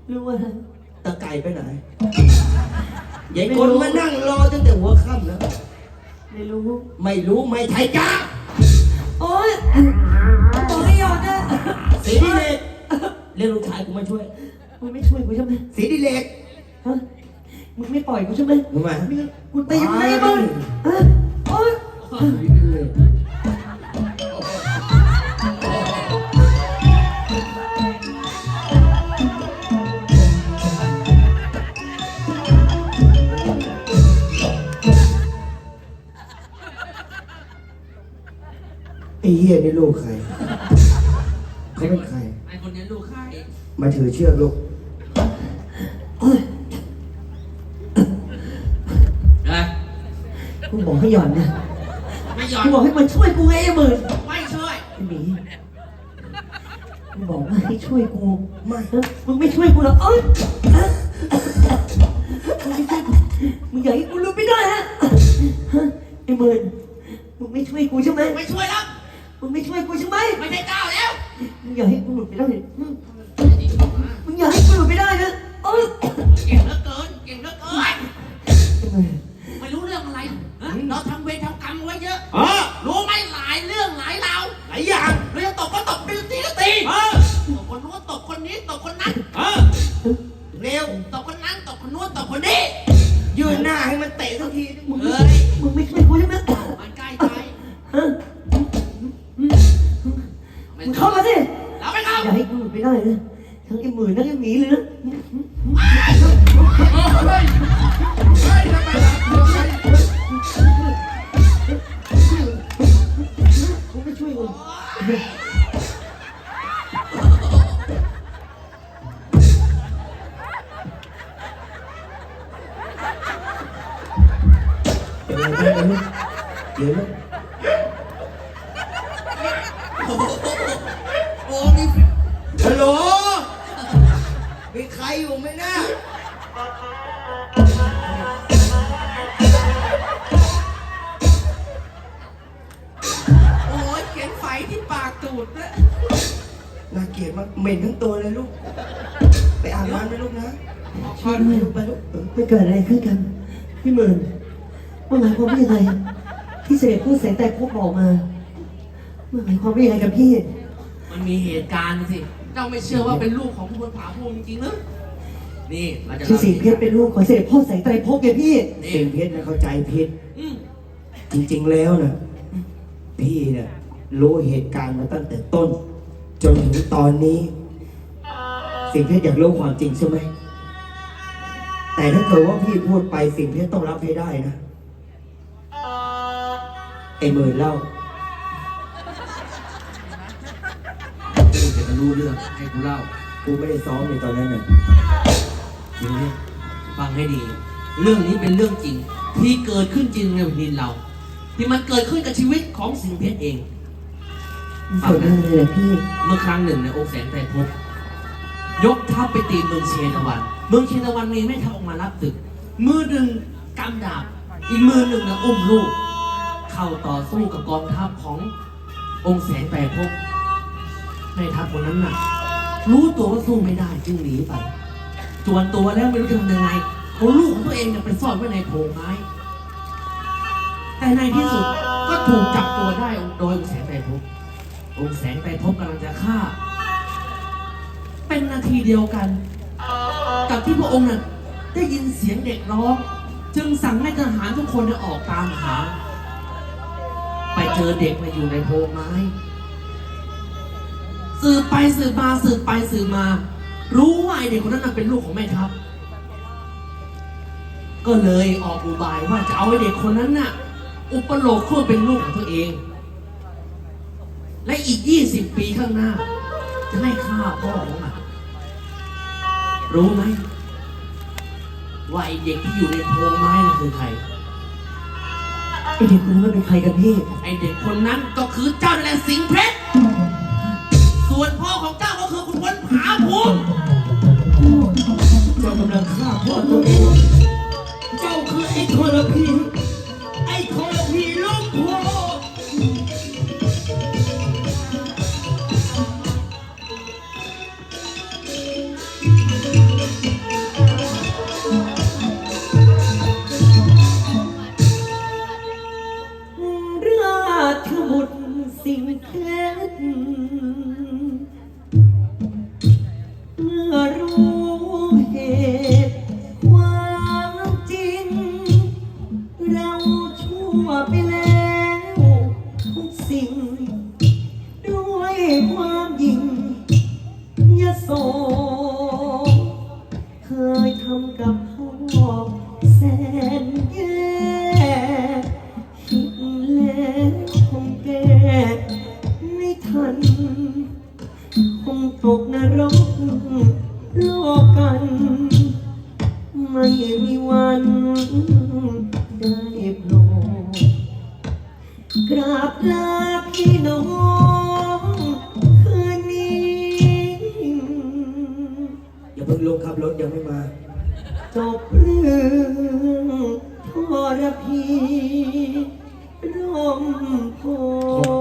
รู้ว่าตะไก่ไปไหนยายคนมานั่งรอตั้งแต่หัวค่ำแล้วไม่รู้ไม่ใช่จ้าโอ๊ยบอกให้หยอดนะสีดิเลกเรียกลูกชายกูมาช่วยมึงไม่ช่วยกูใช่ไหมสีดิเลกฮะมึงไม่ปล่อยกูใช่ไหมทำไมกูตีมึงไงมึงฮะโอ๊ยไอ้เหี้ยนี่ลูกใครเขาเป็นใครไอ้คนนี้ลูกใครมาถือเชือกลูกกูบอกให้หย่อนนะไม่หย่อนกูบอกให้มันช่วยกูไงไอ้หมื่นไม่ช่วยไอ้หมีกูบอกว่าให้ช่วยกูไม่มึงไม่ช่วยกูหรอกมึงไม่ช่วยกูมึงอยากให้กูรู้ไม่ได้ฮะไอ้หมื่นมึงไม่ช่วยกูใช่ไหมไม่ช่วยแล้วมึงไม่ช่วยกูใช่ไหมไม่ใช่เจ้าแล้วมึงอยากให้กูหลุดไปได้มึงอยากให้กูหลุดไปได้นะเก่งเหลือเกินไม่รู้เรื่องอะไรเราทำเวรทำกรรมไว้เยอะรู้ไหมหลายเรื่องหลายราวหลายอย่างเราจะตบก็ตบตีก็ตีตบคนนู้นตบคนนี้ตบคนนั้นเร็วตบคนนั้นตบคนนู้นตบคนนี้ยืนหน้าให้มันเตะสักทีมึงไม่ช่วยกูใช่ไหมมันใกล้ใจมึงเข้ามาสิเราไม่เข้าอย่าให้กูหลุดไปได้นะทั้งไอ้หมื่นทั้งไอ้หมีเลยนะกูไม่ช่วยมึงเดี๋ยวโอ้มีฮัลโหลมีใครอยู่ไหมนะโอ้ยเขียนไฟที่ปากตูดนะน่าเกลียดมากเหม็นทั้งตัวเลยลูกไปอาบน้ำไปลูกนะช่วยด้วยไปลูกไม่เกิดอะไรขึ้นกันพี่หมื่นว่าหมายความว่ายังไงที่เสด็จพูดแสงแต่พบบอกมาหมายความว่ายังไงกับพี่มันมีเหตุการณ์สิเจ้าไม่เชื่อว่าเป็นลูกของผู้บนผาภูมิจริงหรือนี่เราจะที่สิงเพชรเป็นลูกของเสด็จพ่อแสงไตรภพไงพี่สิงเพชรนะเข้าใจผิดจริงๆแล้วนะพี่เนี่ยรู้เหตุการณ์มาตั้งแต่ต้นจนถึงตอนนี้สิงเพชรอยากรู้ความจริงใช่ไหมแต่ถ้าเกิดว่าพี่พูดไปสิงเพชรต้องรับให้ได้นะไอ้หมื่นเล่าจะรู้เรื่องให้กูเล่ากูไม่ได้ซ้อมในตอนนั้นน่ะจริงเนี่ยฟังให้ดีเรื่องนี้เป็นเรื่องจริงที่เกิดขึ้นจริงในแผ่นดินเราที่มันเกิดขึ้นกับชีวิตของสิงห์เพชรเองฟังได้เลยพี่เมื่อครั้งหนึ่งในองค์แสงไตรภพยกทัพไปตีเมืองเชตวันเมืองเชตวันมีแม่ทัพออกมารับศึกมือหนึ่งกำดาบอีกมือหนึ่งนะอุ้มลูกเข้าต่อสู้กับกองทัพขององค์แสงไตรภพแม่ทัพคนนั้นน่ะรู้ตัวว่าสู้ไม่ได้จึงหนีไปจวนตัวแล้วไม่รู้จะทำยังไงเอาลูกของตัวเองเนี่ยไปซ่อนไว้ในโพรงไม้แต่ในที่สุดก็ถูกจับตัวได้โดยองค์แสงไตรภพองค์แสงไตรภพกำลังจะฆ่าเป็นนาทีเดียวกันกับที่พระองค์น่ะได้ยินเสียงเด็กร้องจึงสั่งให้ทหารทุกคนออกตามหาไปเจอเด็กมาอยู่ในโพรงไม้สืบไปสืบมารู้ว่าไอเด็กคนนั้นเป็นลูกของแม่ทัพก็เลยออกอุบายว่าจะเอาไอเด็กคนนั้นน่ะอุปโลกเพื่อเป็นลูกของตัวเองและอีก20 ปีข้างหน้าจะให้ฆ่าพ่อของมันรู้ไหมว่าไอเด็กที่อยู่ในโพรงไม้นั่นคือใครไอเด็กคนนั้นเป็นใครกันพี่ไอเด็กคนนั้นก็คือเจ้าแหละสิงห์เพชรส่วนพ่อของเจ้าก็คือคุณพลผาภูมิเจ้ากำลังฆ่าพ่อตัวเองเจ้าคือไอ้ทรพีลูกพ่อเเมื่อรู้เหตุความจริง เราชั่วไปแล้วทุกสิ่ง ด้วยความยิ่งยโสเคยทำกับพ่อแสนแย่คิดแล้วคงแก้ไม่ทัน คงตกนรกโลกกัน ไม่มีวันได้โปรดกราบลาพี่น้องคืนนี้อย่าเพิ่งลงครับรถยังไม่มาจบเรื่องทรพีร่มโพ